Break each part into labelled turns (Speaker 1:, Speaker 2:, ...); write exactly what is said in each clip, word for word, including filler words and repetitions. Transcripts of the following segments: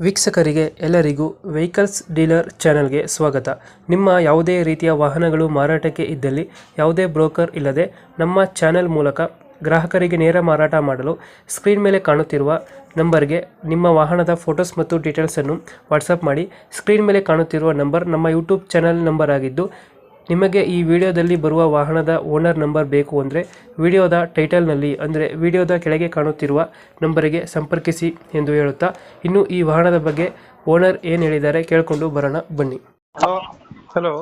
Speaker 1: ವೀಕ್ಷಕರಿಗೆ ಎಲ್ಲರಿಗೂ vehicles dealer ಚಾನೆಲ್ಗೆ ಸ್ವಾಗತ. ನಿಮ್ಮ ಯಾವುದೇ ರೀತಿಯ ವಾಹನಗಳು ಮಾರಾಟಕ್ಕೆ ಇದ್ದಲ್ಲಿ ಯಾವುದೇ ಬ್ರೋಕರ್ ಇಲ್ಲದೆ ನಮ್ಮ ಚಾನೆಲ್ ಮೂಲಕ ಗ್ರಾಹಕರಿಗೆ ನೇರ ಮಾರಾಟ ಮಾಡಲು ಸ್ಕ್ರೀನ್ ಮೇಲೆ ಕಾಣುತ್ತಿರುವ ನಂಬರ್ಗೆ ನಿಮ್ಮ ವಾಹನದ ಫೋಟೋಸ್ ಮತ್ತು ಡೀಟೇಲ್ಸನ್ನು ವಾಟ್ಸಪ್ ಮಾಡಿ. ಸ್ಕ್ರೀನ್ ಮೇಲೆ ಕಾಣುತ್ತಿರುವ ನಂಬರ್ ನಮ್ಮ ಯೂಟ್ಯೂಬ್ ಚಾನೆಲ್ ನಂಬರ್ ಆಗಿದ್ದು, ನಿಮಗೆ ಈ ವಿಡಿಯೋದಲ್ಲಿ ಬರುವ ವಾಹನದ ಓನರ್ ನಂಬರ್ ಬೇಕು ಅಂದರೆ ವಿಡಿಯೋದ ಟೈಟಲ್ನಲ್ಲಿ ಅಂದರೆ ವಿಡಿಯೋದ ಕೆಳಗೆ ಕಾಣುತ್ತಿರುವ ನಂಬರಿಗೆ ಸಂಪರ್ಕಿಸಿ ಎಂದು ಹೇಳುತ್ತಾ, ಇನ್ನು ಈ ವಾಹನದ ಬಗ್ಗೆ ಓನರ್ ಏನು ಹೇಳಿದ್ದಾರೆ ಕೇಳಿಕೊಂಡು ಬರೋಣ ಬನ್ನಿ.
Speaker 2: ಹಲೋ.
Speaker 1: ಹಲೋ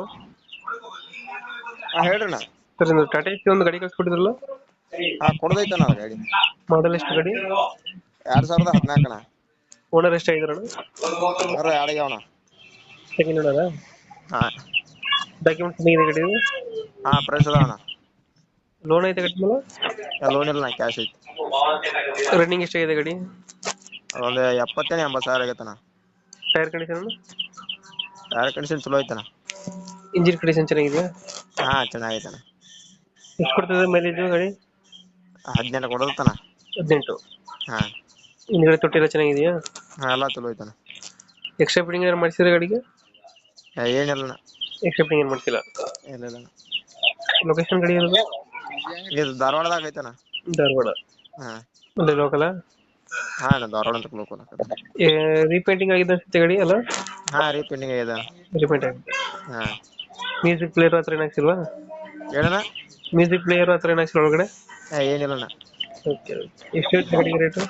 Speaker 2: ಹಾ ಹೇಳ್ರಣ್ಣ.
Speaker 1: ಸರ್, ಇದು ಟಾಟಾ ಎಸಿ ಒಂದು ಗಾಡಿ ಕಳಿಸ್ಕೊಟ್ಟಿದ್ರಲ್ಲ,
Speaker 2: ಹಾ ಕೊಡದೈತಣ್ಣ ಅದು ಗಾಡಿ.
Speaker 1: ಮಾಡಲ್ ಎಷ್ಟು ಗಾಡಿ?
Speaker 2: ಎರಡ್ ಸಾವಿರದ ಹದಿನಾಲ್ಕಣ.
Speaker 1: ಓನರ್ ಎಷ್ಟಾಗಿದಾರಣ?
Speaker 2: ಯಾರು ಯಾಡಿಗೆ
Speaker 1: ಸೆಕೆಂಡ್ ಓನರಾ?
Speaker 2: ಹಾ
Speaker 1: ಡಾಕ್ಯುಮೆಂಟ್ಸ್ ಇದೆ ಗಾಡಿ?
Speaker 2: ಹಾ ಪ್ರೈಸ್ ಅದಾವಣ್ಣ.
Speaker 1: ಲೋನ್ ಐತೆ ಗಾಡಿ ಮೇಲೆ?
Speaker 2: ಲೋನ್ ಇಲ್ಲ, ಕ್ಯಾಶ್ ಐತಿ.
Speaker 1: ರನ್ನಿಂಗ್ ಎಷ್ಟಾಗಿದೆ ಗಾಡಿ?
Speaker 2: ಒಂದು ಎಪ್ಪತ್ತೇನು ಎಂಬತ್ತು ಸಾವಿರ ಆಗೈತಣ್ಣ.
Speaker 1: Tyre condition?
Speaker 2: ಟೈರ್ ಕಂಡೀಷನ್ ಚಲೋ ಐತಣ್ಣ.
Speaker 1: ಇಂಜಿನ್ ಕಂಡೀಷನ್ ಚೆನ್ನಾಗಿದೆಯಾ?
Speaker 2: ಹಾ ಚೆನ್ನಾಗೈತಣ್ಣ.
Speaker 1: ಎಷ್ಟು ಕೊಡ್ತದೆ ಮೈಲೇಜ್ ಗಾಡಿ?
Speaker 2: ಹದಿನೆಂಟು ಕೊಡದತ್ತಣ್ಣ.
Speaker 1: ಹದಿನೆಂಟು.
Speaker 2: ಹಾ
Speaker 1: ಹಿಂದ್ಗಡೆ ತೊಟ್ಟಿ ಎಲ್ಲ ಚೆನ್ನಾಗಿದೆಯಾ?
Speaker 2: ಹಾ ಎಲ್ಲ ಚಲೋ ಐತಣ್ಣ.
Speaker 1: ಎಕ್ಸ್ಟ್ರಾ ಫಿಟ್ಟಿಂಗ್ ಏನಾರು ಮಾಡಿಸಿದ್ರೆ ಗಾಡಿಗೆ?
Speaker 2: ಏ, ಏನಿಲ್ಲಣ್ಣ.
Speaker 1: ಎಕ್ಸ್ಟ್ರಾ ಫಿಟ್ಟಿಂಗ್ ಏನು ಮಾಡ್ತಿಲ್ಲ?
Speaker 2: ಇಲ್ಲ ಇಲ್ಲ.
Speaker 1: ಲೊಕೇಶನ್ ಗಾಡಿ ಇರೋದು?
Speaker 2: ಇದು ಧಾರವಾಡದಾಗ ಐತಣ್ಣ.
Speaker 1: ಧಾರವಾಡ.
Speaker 2: ಹಾ
Speaker 1: ಅಲ್ಲೇ ಲೋಕಲ?
Speaker 2: ಹಾ ಅಣ್ಣ, ಧಾರವಾಡ ಅಂತ ಲೋಕಲ್.
Speaker 1: ರೀಪೇಂಟಿಂಗ್ ಆಗಿದೆ ಅನ್ಸುತ್ತೆ ಗಾಡಿ ಅಲ್ಲ?
Speaker 2: ಹಾ ರೀಪೇಂಟಿಂಗ್ ಇದೆ.
Speaker 1: ರೀಪೇಂಟ್ ಆಗಿದೆ.
Speaker 2: ಹಾ
Speaker 1: ಮ್ಯೂಸಿಕ್ ಪ್ಲೇಯರ್ ಹತ್ರ ಏನಾಗ್ಸಿಲ್ವಾ?
Speaker 2: ಹೇಳಣ್ಣ.
Speaker 1: ಮ್ಯೂಸಿಕ್ ಪ್ಲೇಯರ್ ಹತ್ರ ಏನಾಗ್ಸಿಲ್ಲ ಒಳಗಡೆ?
Speaker 2: ಏ ಏನಿಲ್ಲಣ್ಣ.
Speaker 1: ಓಕೆ. ಎಷ್ಟು ಗಾಡಿಗೆ ರೇಟು?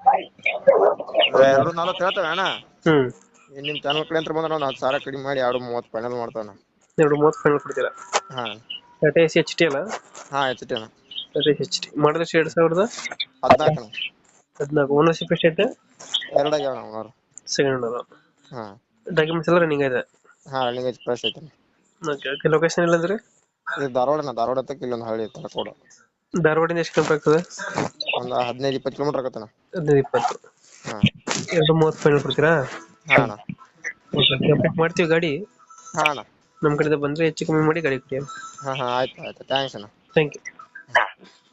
Speaker 2: ಎರಡು ನಾಲ್ಕು ಹೇಳ್ತೇವೆ ಅಣ್ಣ.
Speaker 1: ಹ್ಮ್
Speaker 2: ನಿಮ್ ಚಾನಲ್ ಕಡೆ ಅಂತ ಬಂದ್ರೆ ಒಂದು ಹತ್ತು ಸಾವಿರ ಕಡಿಮೆ ಮಾಡಿ ಎರಡು ಮೂವತ್ತು ಫೈನಲ್ ಮಾಡ್ತಾವಣ್ಣ.
Speaker 1: ಎರಡು ಮೂವತ್ತು ಫೈನಲ್ ಕೊಡ್ತೀರಾ?
Speaker 2: ಹಾ
Speaker 1: ಟಾಟಾ ಎಸಿ ಎಚ್ ಟಿ ಅಲ್ಲ?
Speaker 2: ಹಾ ಎಚ್ ಟಿ ಅಣ್ಣ.
Speaker 1: ಟಾಟಾ ಎಸಿ ಎಚ್ ಟಿ ಮಾಡಿದ್ರೆ ಎರಡು ಸಾವಿರದ
Speaker 2: ಹದಿನಾಲ್ಕು ಅಣ್ಣ.
Speaker 1: ಹದಿನಾಲ್ಕು. ಓನರ್ಶಿಪ್ ಎಷ್ಟೈತೆ?
Speaker 2: ಎರಡಾಗ್ಯಾವ ಅಣ್ಣ ಓನರ್.
Speaker 1: Second owner.
Speaker 2: ಹಾ
Speaker 1: ಡಾಕ್ಯುಮೆಂಟ್ಸ್ ಎಲ್ಲ ರನ್ನಿಂಗ್ ಇದೆ?
Speaker 2: ಹಾ ರನ್ನಿಂಗ್ ಐತಿ, ಫ್ರೆಶ್ ಐತಿ.
Speaker 1: Okay okay. ಲೊಕೇಶನ್ ಇಲ್ಲ ಅಂದ್ರೆ?
Speaker 2: ಇದು ಧಾರವಾಡನ, ಧಾರವಾಡ ತಕ್ಕ ಇಲ್ಲೊಂದು ಹಳ್ಳಿ ಐತಲ್ಲ ಕೋಡ.
Speaker 1: ಧಾರವಾಡಿಂದ ಎಷ್ಟು ಕಿಲೋಮೀಟರ್ ಆಗ್ತದೆ?
Speaker 2: ಒಂದು ಹದಿನೈದು ಇಪ್ಪತ್ತು ಕಿಲೋಮೀಟರ್ ಆಗತ್ತಣ್ಣ.
Speaker 1: ಹದಿನೈದು ಇಪ್ಪತ್ತು.
Speaker 2: ಹಾ
Speaker 1: ಎರಡು ಮೂವತ್ತು ಫೈನಲ್ ಕೊಡ್ತೀರಾ?
Speaker 2: ಹಾ ಅಣ್ಣ.
Speaker 1: ಓಕೆ. ಅಪ್ಡೇಟ್ ಮಾಡ್ತೀವಿ ಗಾಡಿ.
Speaker 2: ಹಾ ಅಣ್ಣ.
Speaker 1: ನಮ್ಮ ಕಡೆಯಿಂದ ಬಂದರೆ ಹೆಚ್ಚು ಕಮ್ಮಿ ಮಾಡಿ ಗಾಡಿ ಕೊಡಿ.
Speaker 2: ಹಾ ಹಾ ಆಯ್ತು ಆಯ್ತು. ಥ್ಯಾಂಕ್ಸ್ ಅಣ್ಣ.
Speaker 1: Thank you.